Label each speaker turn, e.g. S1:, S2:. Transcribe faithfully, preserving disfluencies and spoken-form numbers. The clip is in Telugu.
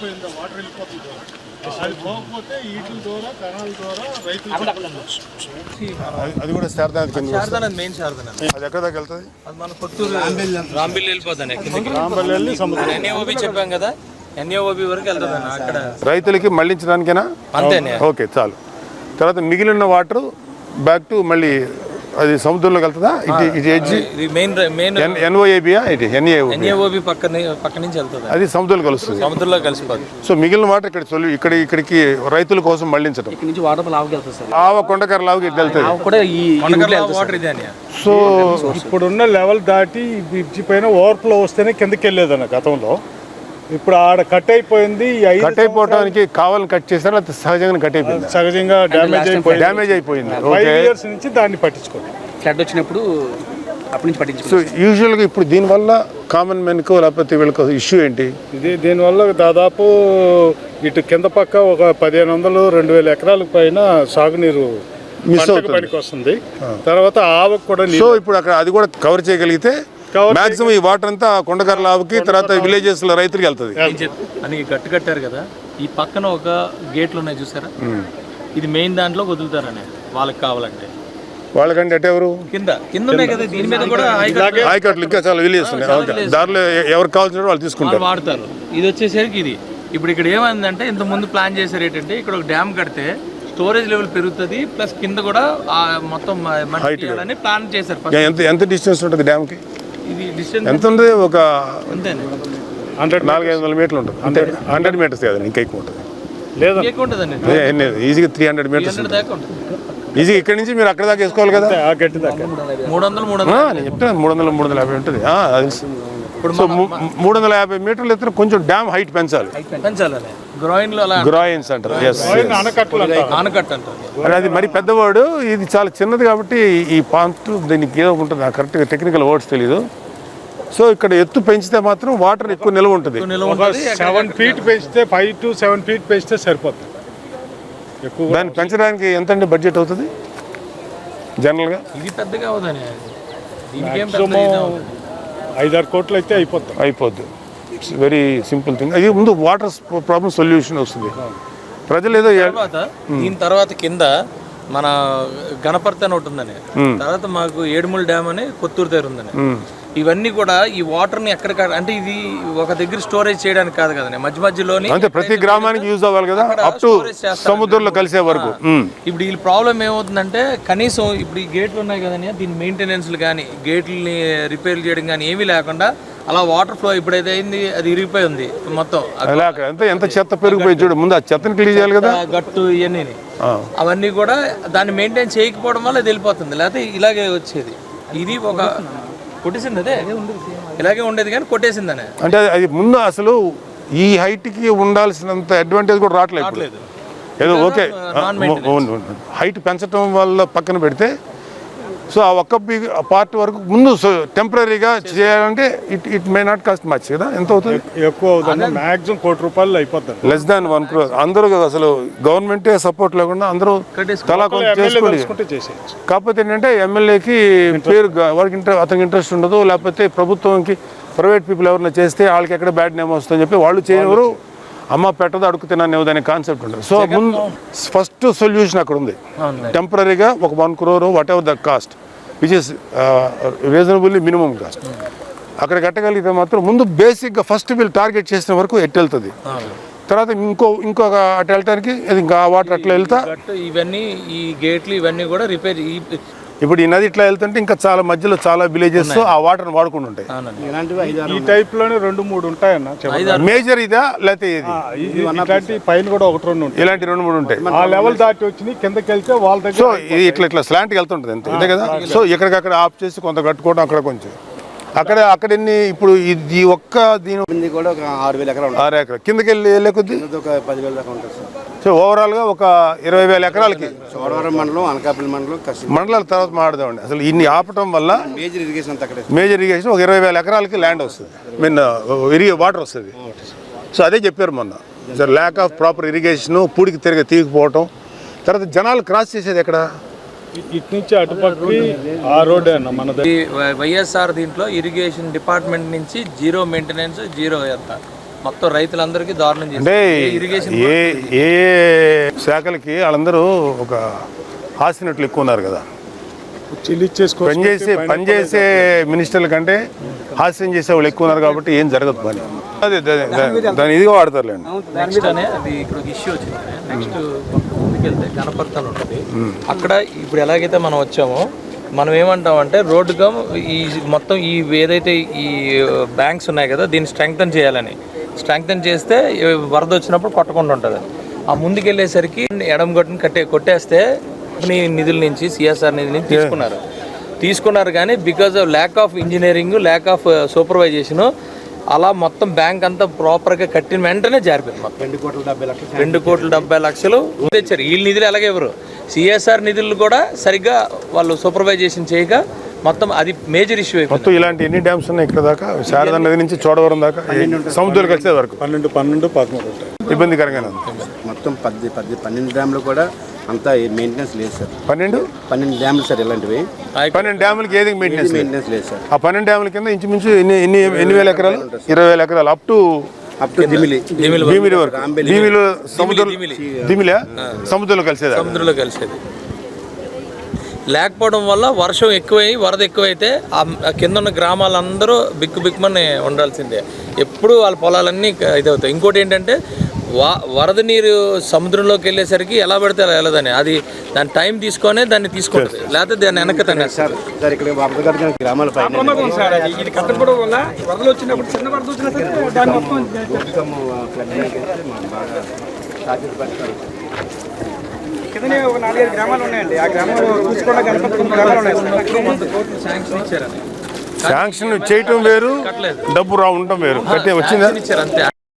S1: అయిపోయిందా వాటర్ వెళ్ళిపోతుంది అది పోకపోతే వీటి ద్వారా కణాల ద్వారా రైతులు
S2: అది కూడా శారదా
S3: శారదా మెయిన్ శారదా
S2: అది ఎక్కడ దాకా వెళ్తుంది
S3: అది మన కొత్తూరు రాంబిల్ వెళ్ళిపోతాను
S1: రాంబల్లి వెళ్ళి సముద్రం
S3: ఎన్ఏఓబి చెప్పాం కదా ఎన్ఏఓబి వరకు వెళ్తుంది అక్కడ
S2: రైతులకి మళ్ళించడానికేనా
S3: అంతేనే
S2: ఓకే చాలు తర్వాత మిగిలిన వాటర్ బ్యాక్ టు మళ్ళీ అది సముద్రంలోకి వెళ్తుందా ఇటు ఇటు ఎడ్జి
S3: మెయిన్ మెయిన్
S2: ఎన్ఓఏబియా ఇటు ఎన్ఏఓ
S3: ఎన్ఏఓబి పక్క పక్క నుంచి వెళ్తుంది
S2: అది సముద్రంలో కలుస్తుంది
S3: సముద్రంలో కలిసిపోతుంది
S2: సో మిగిలిన వాటర్ ఇక్కడ చొల్లు ఇక్కడ ఇక్కడికి రైతుల కోసం మళ్ళించడం
S4: ఇక్కడ నుంచి వాటర్ లావుకి వెళ్తుంది సార్
S2: ఆవ కొండకర లావుకి ఇటు వెళ్తుంది
S4: కూడా ఈ
S3: వాటర్ ఇదే అని
S2: సో
S1: ఇప్పుడున్న లెవెల్ దాటి బ్రిడ్జి పైన ఓవర్ఫ్లో వస్తేనే కిందకి వెళ్ళేదన్న గతంలో ఇప్పుడు ఆడ కట్ అయిపోయింది
S2: కట్ అయిపోవడానికి కావాలని కట్ చేశారు లేకపోతే సహజంగా కట్ అయిపోయింది
S1: సహజంగా డ్యామేజ్ అయిపోయింది
S2: డ్యామేజ్ అయిపోయింది
S1: ఫైవ్ ఇయర్స్ నుంచి దాన్ని పట్టించుకోండి
S4: ఫ్లడ్ వచ్చినప్పుడు అప్పటి నుంచి
S2: సో
S4: పట్టించుకోండి
S2: యూజువల్గా ఇప్పుడు దీనివల్ల కామన్ మెన్కో లేకపోతే వీళ్ళకి ఇష్యూ ఏంటి
S1: ఇది దీనివల్ల దాదాపు ఇటు కింద పక్క ఒక పదిహేను వందలు రెండు వేల ఎకరాల పైన సాగునీరు
S2: మిస్ అవుతుంది
S1: పనికి వస్తుంది తర్వాత ఆవకు కూడా
S2: సో ఇప్పుడు అక్కడ అది కూడా కవర్ చేయగలిగితే మాక్సిమం ఈ వాటర్ అంతా కొండకర్ల ఆవుకి తర్వాత విలేజెస్ లో రైతులకి వెళ్తుంది
S3: అని గట్టు కట్టారు కదా ఈ పక్కన ఒక గేట్లు ఉన్నాయి చూసారా ఇది మెయిన్ దాంట్లో వదులుతారనే వాళ్ళకి కావాలంటే
S2: వాళ్ళకంటే అటు ఎవరు
S3: కింద కింద ఉన్నాయి కదా దీని మీద కూడా
S2: ఆయకట్లు ఇంకా చాలా విలేజెస్ ఉన్నాయి దారిలో ఎవరికి కావాల్సిన వాళ్ళు తీసుకుంటారు
S3: వాడతారు ఇది వచ్చేసరికి ఇది ఇప్పుడు ఇక్కడ ఏమైందంటే ఇంత ముందు ప్లాన్ చేశారు ఏంటంటే ఇక్కడ ఒక డ్యామ్ కడితే స్టోరేజ్ లెవెల్ పెరుగుతుంది ప్లస్ కింద కూడా మొత్తం అని ప్లాన్ చేశారు
S2: ఎంత ఎంత డిస్టెన్స్ ఉంటుంది డ్యామ్ కి
S3: ఇది డిస్టెన్స్
S2: ఎంత ఉంది ఒక
S3: అంతేనే
S2: హండ్రెడ్ నాలుగు ఐదు వందల మీటర్లు ఉంటుంది అంటే హండ్రెడ్ మీటర్స్ కదా ఇంకా ఎక్కువ ఉంటుంది
S1: లేదా
S3: ఎక్కువ ఉంటుందండి
S2: ఈజీగా త్రీ హండ్రెడ్ మీటర్స్
S3: దాకా ఉంటుంది
S2: ఈజీ ఇక్కడ నుంచి మీరు అక్కడ దాకా వేసుకోవాలి కదా
S1: ఆ గట్టి దాకా
S3: మూడు వందలు మూడు
S2: ఆ, నేను చెప్తాను మూడు వందల మూడు వందల యాభై ఉంటుంది ఆ, అది
S3: ఇప్పుడు
S2: సో మూడు వందల యాభై మీటర్లు ఎత్తున కొంచెం డ్యామ్ హైట్ పెంచాలి
S3: పెంచాలని గ్రోయిన్ లో అలా
S2: గ్రాయిన్స్ అంటారు ఎస్
S1: ఆనకట్టలు
S3: ఆనకట్ట అంటారు
S2: అది అది మరి పెద్దవాడు ఇది చాలా చిన్నది కాబట్టి ఈ పాంట్ దీనికి ఏదో ఉంటుంది నాకు కరెక్ట్గా టెక్నికల్ వర్డ్స్ తెలీదు సో ఇక్కడ ఎత్తు పెంచితే మాత్రం వాటర్ ఎక్కువ నిల్వ ఉంటుంది
S1: సెవెన్ ఫీట్ పెంచితే ఫైవ్ టు సెవెన్ ఫీట్ పెంచితే సరిపోతుంది ఎక్కువ
S2: దాన్ని పెంచడానికి ఎంత అండి బడ్జెట్ అవుతుంది జనరల్గా
S3: ఇది పెద్దగా అవుదని దీనికి ఏం
S1: maximum ఐదారు కోట్లు అయితే అయిపోతుంది
S2: అయిపోద్ది ఇట్స్ వెరీ సింపుల్ థింగ్ అది ముందు వాటర్ ప్రాబ్లమ్ సొల్యూషన్ వస్తుంది ప్రజలు ఏదో
S3: తర్వాత దీని తర్వాత కింద మన గణపర్తి అని ఒకటి ఉందని తర్వాత మాకు ఏడుమూల డ్యామ్ అని కొత్తూరు దగ్గర ఉందని ఇవన్నీ కూడా ఈ వాటర్ ని ఎక్కడ అంటే ఇది ఒక దగ్గర స్టోరేజ్ చేయడానికి కాదు కదండి మధ్య మధ్యలోని
S2: అంటే ప్రతి గ్రామానికి యూజ్ అవ్వాలి కదా అప్ టు సముద్రంలో కలిసే వరకు
S3: ఇప్పుడు ఈ ప్రాబ్లం ఏమవుతుందంటే కనీసం ఇప్పుడు ఈ గేట్లు ఉన్నాయి కదండి దీని మెయింటెనెన్స్లు కానీ గేట్లని రిపేర్ చేయడం కానీ ఏమీ లేకుండా అలా వాటర్ ఫ్లో ఇప్పుడైతే అయింది అది ఇరిగిపోయి ఉంది మొత్తం
S2: అలా ఎంత ఎంత చెత్త పెరిగిపోయి చూడు ముందు ఆ చెత్తని క్లీన్ చేయాలి కదా
S3: గట్టు ఇవన్నీ అవన్నీ కూడా దాన్ని మెయింటైన్ చేయకపోవడం వల్ల అది వెళ్ళిపోతుంది లేకపోతే ఇలాగే వచ్చేది ఇది ఒక కొట్టేసింది అదే ఇలాగే ఉండేది కానీ కొట్టేసిందనే
S2: అంటే అది ముందు అసలు ఈ హైట్కి ఉండాల్సినంత అడ్వాంటేజ్ కూడా రావట్లేదు ఏదో ఓకే హైట్ పెంచడం వల్ల పక్కన పెడితే సో ఆ ఒక్క పార్ట్ వరకు ముందు టెంపరీగా చేయాలంటే it it may not cost much కదా ఎంత అవుతుంది
S1: ఎక్కువ అవుతుంది మాక్సిమం కోటి రూపాయలు అయిపోతుంది
S2: లెస్ దాన్ వన్ క్రోర్ అందరూ అసలు గవర్నమెంటే సపోర్ట్ లేకుండా అందరూ తలా కొంచెం చేసుకోండి
S1: చేసేయచ్చు
S2: కాకపోతే ఏంటంటే ఎమ్మెల్యేకి పేరు వారికి ఇంట్రె అతనికి ఇంట్రెస్ట్ ఉండదు లేకపోతే ప్రభుత్వంకి ప్రైవేట్ పీపుల్ ఎవరైనా చేస్తే వాళ్ళకి ఎక్కడ బ్యాడ్ నేమ్ వస్తుందని చెప్పి వాళ్ళు చేయనివారు అమ్మ పెట్టదు అడుగు తిననేది అనే కాన్సెప్ట్ ఉంటుంది సో ముందు ఫస్ట్ సొల్యూషన్ అక్కడ ఉంది టెంపరీగా ఒక one crore whatever the cost which is reasonably minimum cost అక్కడ కట్టగలిగితే మాత్రం ముందు బేసిక్గా ఫస్ట్ వీళ్ళు టార్గెట్ చేసిన వరకు ఎట్టు వెళ్తుంది తర్వాత ఇంకో ఇంకొక అటు వెళ్ళటానికి ఇంకా వాటర్ అట్లా వెళ్తా
S3: ఇవన్నీ ఈ గేట్లు ఇవన్నీ కూడా రిపేర్
S2: ఇప్పుడు ఈ నది ఇట్లా వెళ్తుంటే ఇంకా చాలా మధ్యలో చాలా విలేజెస్ ఆ వాటర్ వాడుకుంటూ ఉంటాయి
S1: ఈ టైప్ లోనే రెండు మూడు ఉంటాయన్న
S2: మేజర్ ఇదా లేకపోతే ఇది
S1: ఇలాంటి పైన కూడా ఒకటి రెండు ఉంటాయి
S2: ఇలాంటి రెండు మూడు ఉంటాయి
S1: ఆ లెవెల్ దాటి వచ్చి కిందకి వెళ్తే వాళ్ళ దగ్గర
S2: సో ఇది ఇట్లా ఇట్లా స్లాంట్కి వెళ్తుంటుంది అంతే ఇదే కదా సో ఎక్కడికక్కడ ఆఫ్ చేసి కొంత కట్టుకోవడం అక్కడ కొంచెం అక్కడ అక్కడ ఎన్ని ఇప్పుడు ఈ ఒక్క దీని
S4: కూడా ఒక ఆరు వేల ఎకరాలు
S2: ఆరు ఎకరాలు కిందకి వెళ్ళి వెళ్ళే కొద్ది
S4: ఒక పదివేల దాకా ఉంటుంది సార్
S2: సో ఓవరాల్గా ఒక ఇరవై వేల ఎకరాలకి
S4: చోడవరం మండలం అనకాపల్లి మండలం
S2: మండలాల తర్వాత మాట్లాడదామండి అసలు ఇన్ని ఆపటం వల్ల
S4: మేజర్ ఇరిగేషన్ అంతా అక్కడే
S2: మేజర్ ఇరిగేషన్ ఒక ఇరవై వేల ఎకరాలకి ల్యాండ్ వస్తుంది మీన్ ఇరిగే వాటర్ వస్తుంది సో అదే చెప్పారు మొన్న sir lack of proper irrigation పూడికి తిరిగి తీగిపోవటం తర్వాత జనాలు క్రాస్ చేసేది ఎక్కడ
S1: ఇటు నుంచి అటుపక్కకి ఆ రోడ్ అన్న మన
S3: వైఎస్ఆర్ దీంట్లో ఇరిగేషన్ డిపార్ట్మెంట్ నుంచి జీరో మెయింటెనెన్స్ జీరో ఎంత మొత్తం రైతులందరికీ దారుణం
S2: అంటే
S3: చేసింది ఇరిగేషన్
S2: ఏ ఏ శాఖలకి వాళ్ళందరూ ఒక హాసినట్లు ఎక్కువ ఉన్నారు కదా.
S1: చెల్లిచ్చేసుకో
S2: పనిచేసే పనిచేసే మినిస్టర్ల కంటే హాస్యం చేసే వాళ్ళు ఎక్కువ ఉన్నారు కాబట్టి ఏం జరగదు పని. అదే దా- దా- దాని ఇదిగా వాడతారులేండి.
S3: నెక్స్ట్ అనే అది ఇక్కడ ఒక ఇష్యూ వచ్చింది. నెక్స్ట్ ముందుకెళ్తే గణపర్తి అని ఉంటుంది. అక్కడ ఇప్పుడు ఎలాగైతే మనం వచ్చామో మనం ఏమంటామంటే రోడ్డుగా ఈ మొత్తం ఈ ఏదైతే ఈ బ్యాంక్స్ ఉన్నాయి కదా దీన్ని స్ట్రెంగ్తన్ చేయాలని స్ట్రెంగ్తన్ చేస్తే వరద వచ్చినప్పుడు కొట్టకుండా ఉంటుంది. ఆ ముందుకెళ్ళేసరికి ఎడమ గొట్టుని కట్టే కొట్టేస్తే కంపెనీ నిధుల నుంచి సిఎస్ఆర్ నిధుల నుంచి తీసుకున్నారు తీసుకున్నారు కానీ because of lack of engineering lack of supervision అలా మొత్తం బ్యాంక్ అంతా ప్రాపర్గా కట్టిన వెంటనే జారిపోయింది. మొత్తం
S4: రెండు కోట్ల డెబ్బై లక్షలు
S3: రెండు కోట్ల డెబ్బై లక్షలు తెచ్చారు. వీళ్ళ నిధులు ఎలాగే ఎవరు సిఎస్ఆర్ నిధులు కూడా సరిగ్గా వాళ్ళు సూపర్వైజేషన్ చేయక మొత్తం అది మేజర్ ఇష్యూ అయిపోయింది.
S2: మొత్తం ఇలాంటి ఎన్ని డ్యామ్స్ ఉన్నాయి ఇక్కడ దాకా? శారదా నది నుంచి చోడవరం దాకా సముద్రాలకు వచ్చే వరకు
S1: పన్నెండు పన్నెండు పదమూడు ఉంటాయి.
S2: ఇబ్బందికరంగానే ఉంది.
S4: మొత్తం పది పది పన్నెండు డ్యామ్లు కూడా అంతా మెయింటెనెన్స్ లేదు సార్.
S2: పన్నెండు
S4: పన్నెండు డ్యామ్లు సార్ ఇలాంటివి
S2: పన్నెండు డ్యాములకి ఏది మెయింటెనెన్స్ లేదు.
S4: మెయింటెనెన్స్ లేదు సార్.
S2: ఆ పన్నెండు డ్యాముల కింద ఇంచుమించు ఎన్ని ఎన్ని ఎన్ని వేల ఎకరాలు? ఇరవై వేల ఎకరాలు అప్ టు
S4: అప్ టు దిమిలి
S2: భీమిలి వరకు. భీమిలో సముద్రం దిమిలా సముద్రంలో కలిసేది.
S3: సముద్రంలో కలిసేది లేకపోవడం వల్ల వర్షం ఎక్కువై వరద ఎక్కువైతే ఆ కింద ఉన్న గ్రామాలందరూ బిక్కు బిక్కుమని ఉండాల్సిందే. ఎప్పుడు వాళ్ళ పొలాలన్నీ ఇదవుతాయి. ఇంకోటి ఏంటంటే వా వరద నీరు సముద్రంలోకి వెళ్ళేసరికి ఎలా పడితే అలా వెళ్ళదని అది దాని టైం తీసుకొనే దాన్ని తీసుకుంటుంది, లేకపోతే దాన్ని వెనక్కి తనేస్తారు.
S4: సార్ ఇక్కడ వాపదగడ్డ గ్రామాల పైన
S5: ఇది కట్టకపోవడం వల్ల వరదలు వచ్చినప్పుడు చిన్న వరద వచ్చినా సరే దాన్ని మొత్తం కిందనే ఒక నాలుగైదు గ్రామాలు ఉన్నాయండి. ఆ గ్రామాలు చూసుకోవడం గణపతి గ్రామాలు ఉన్నాయి.
S3: శాంక్షన్ ఇచ్చారని
S2: శాంక్షన్ చేయటం వేరు, డబ్బు రా ఉండటం వేరు. కట్టే వచ్చిందా?
S3: ఇచ్చారు అంతే.